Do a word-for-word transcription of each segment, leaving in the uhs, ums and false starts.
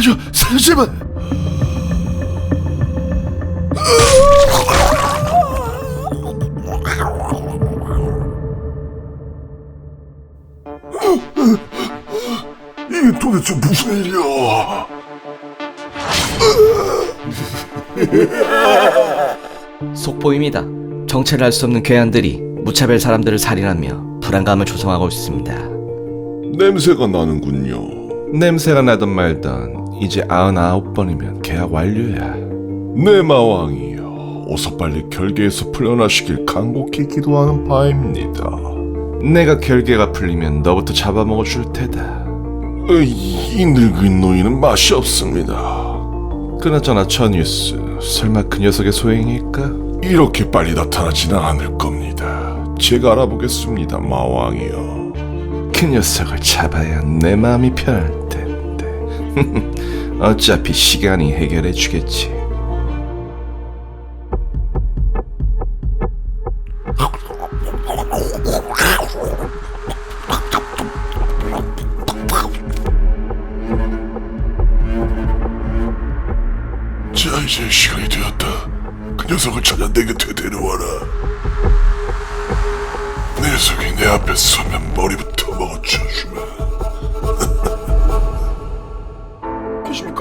살려줘, 살려 제발. 이게 도대체 무슨 일이야? 속보입니다. 정체를 알 수 없는 괴한들이 무차별 사람들을 살인하며 불안감을 조성하고 있습니다. 냄새가 나는군요. 냄새가 나던 말던 이제 아흔아홉 번이면 계약 완료야. 내 마왕이여, 어서 빨리 결계에서 풀려나시길 간곡히 기도하는 바입니다. 내가 결계가 풀리면 너부터 잡아먹어 줄 테다. 으이, 이 늙은 노인은 맛이 없습니다. 그나저나 저 뉴스 설마 그 녀석의 소행일까? 이렇게 빨리 나타나지는 않을 겁니다. 제가 알아보겠습니다, 마왕이여. 그 녀석을 잡아야 내 마음이 편할 텐데. 어차피 시간이 해결해 주겠지. 자, 이제 시간이 되었다. 그 녀석을 찾아 내 곁에 데려와라. 내 녀석이 내 앞에 서면 머리부터 먹어쳐주마. 계십니까?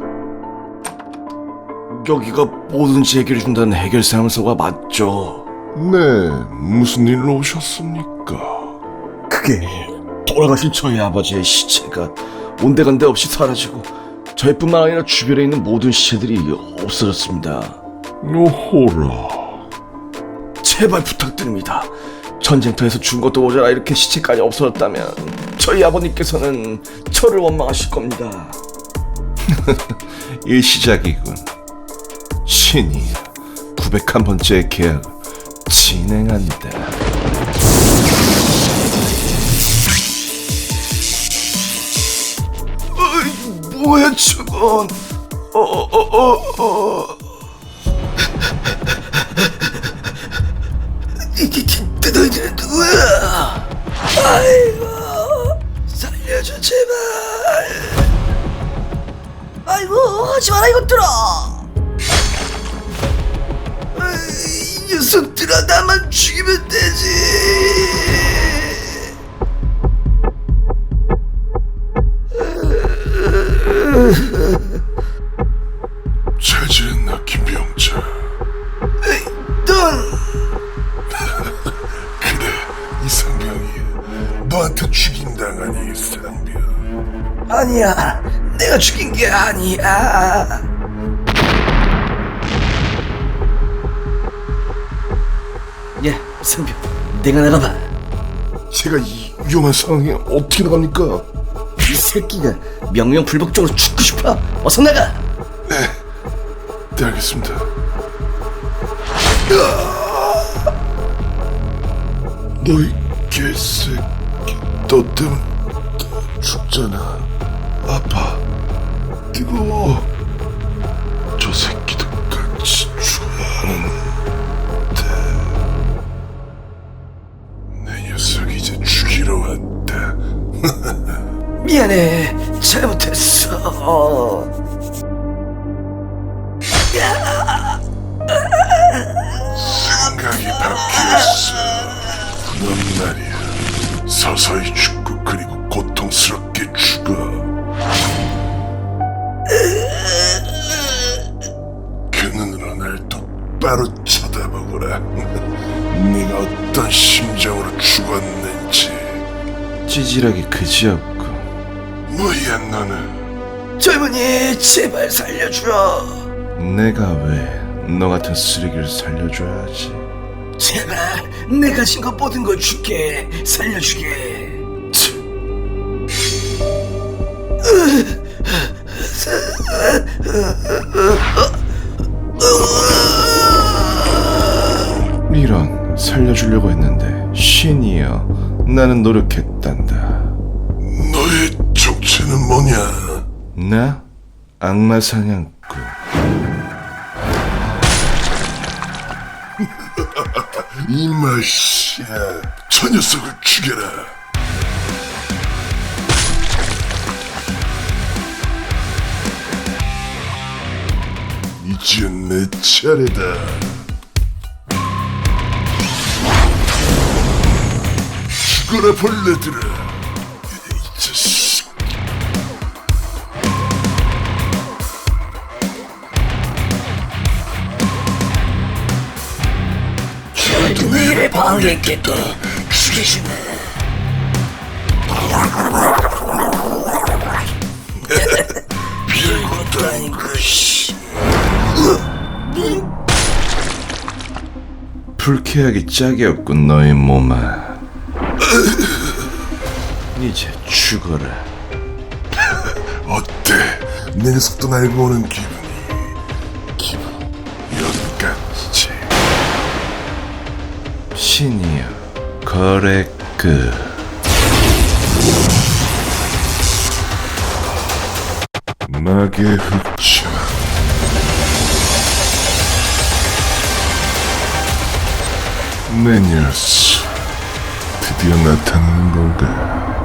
여기가 뭐든지 해결해준다는 해결사무소가 맞죠? 네, 무슨 일로 오셨습니까? 그게 돌아가신 저희 아버지의 시체가 온데간데 없이 사라지고 저희뿐만 아니라 주변에 있는 모든 시체들이 없어졌습니다. 요호라. 제발 부탁드립니다. 전쟁터에서 죽은 것도 모자라 이렇게 시체까지 없어졌다면 저희 아버님께서는 저를 원망하실 겁니다. 일시작이군. 신이 구백한 번째 계약을 진행한다. 어이, 뭐야 저건? 어어어어 어. 너희들은 누구야? 아이고 살려줘 제발. 아이고 하지 마라 이것들아. 이 녀석들아 나만 죽이면 되지. 잘 지냈나, 김병철? 넌 그래, 이상병이 너한테 죽임당한 이상병. 아니야. 내가 죽인 게 아니야. 예, 선배, 내가 나가봐. 제가 이 위험한 상황에 어떻게 나갑니까? 이 새끼가 명명불복적으로 죽고 싶어. 어서 나가. 네, 네 알겠습니다. 너희 개새끼, 너 때문에 다 죽잖아. 아파, 뜨거워. 저 새끼도 같이 죽어야 하는데 내 녀석 이제 죽이러 왔다. 미안해. 잘못했어. 생각이 바뀌었어. 넌 말이야, 서서히 죽고 그리고 고통스럽게 죽어. 그 눈으로 날 똑바로 쳐다보거라. 네가 어떤 심정으로 죽었는지. 찌질하기 그지없고. 뭐야 너는? 젊은이 제발 살려줘. 내가 왜 너 같은 쓰레기를 살려줘야지. 제발 내가 가진 거 모든 걸 줄게. 살려주게. 이런, 살려주려고 했는데 신이여 나는 노력했단다. 너의 정체는 뭐냐? 나? 악마 사냥꾼. 이 맛이야. 저 녀석을 죽여라. 이제 내 차례다. 죽어라 벌레들아. 이 자식. 누구 일에 방해했겠다. 죽이시네. 별것도 아닌 것이. 불쾌하기 짝이 없군 너의 몸아. 이제 죽어라. 어때? 내 녀석도 날 보는 기분이. 기분 여기까지. 신이여 거래 끝. 낙의 흑차. 내 녀석 드디어 나타나는 건가?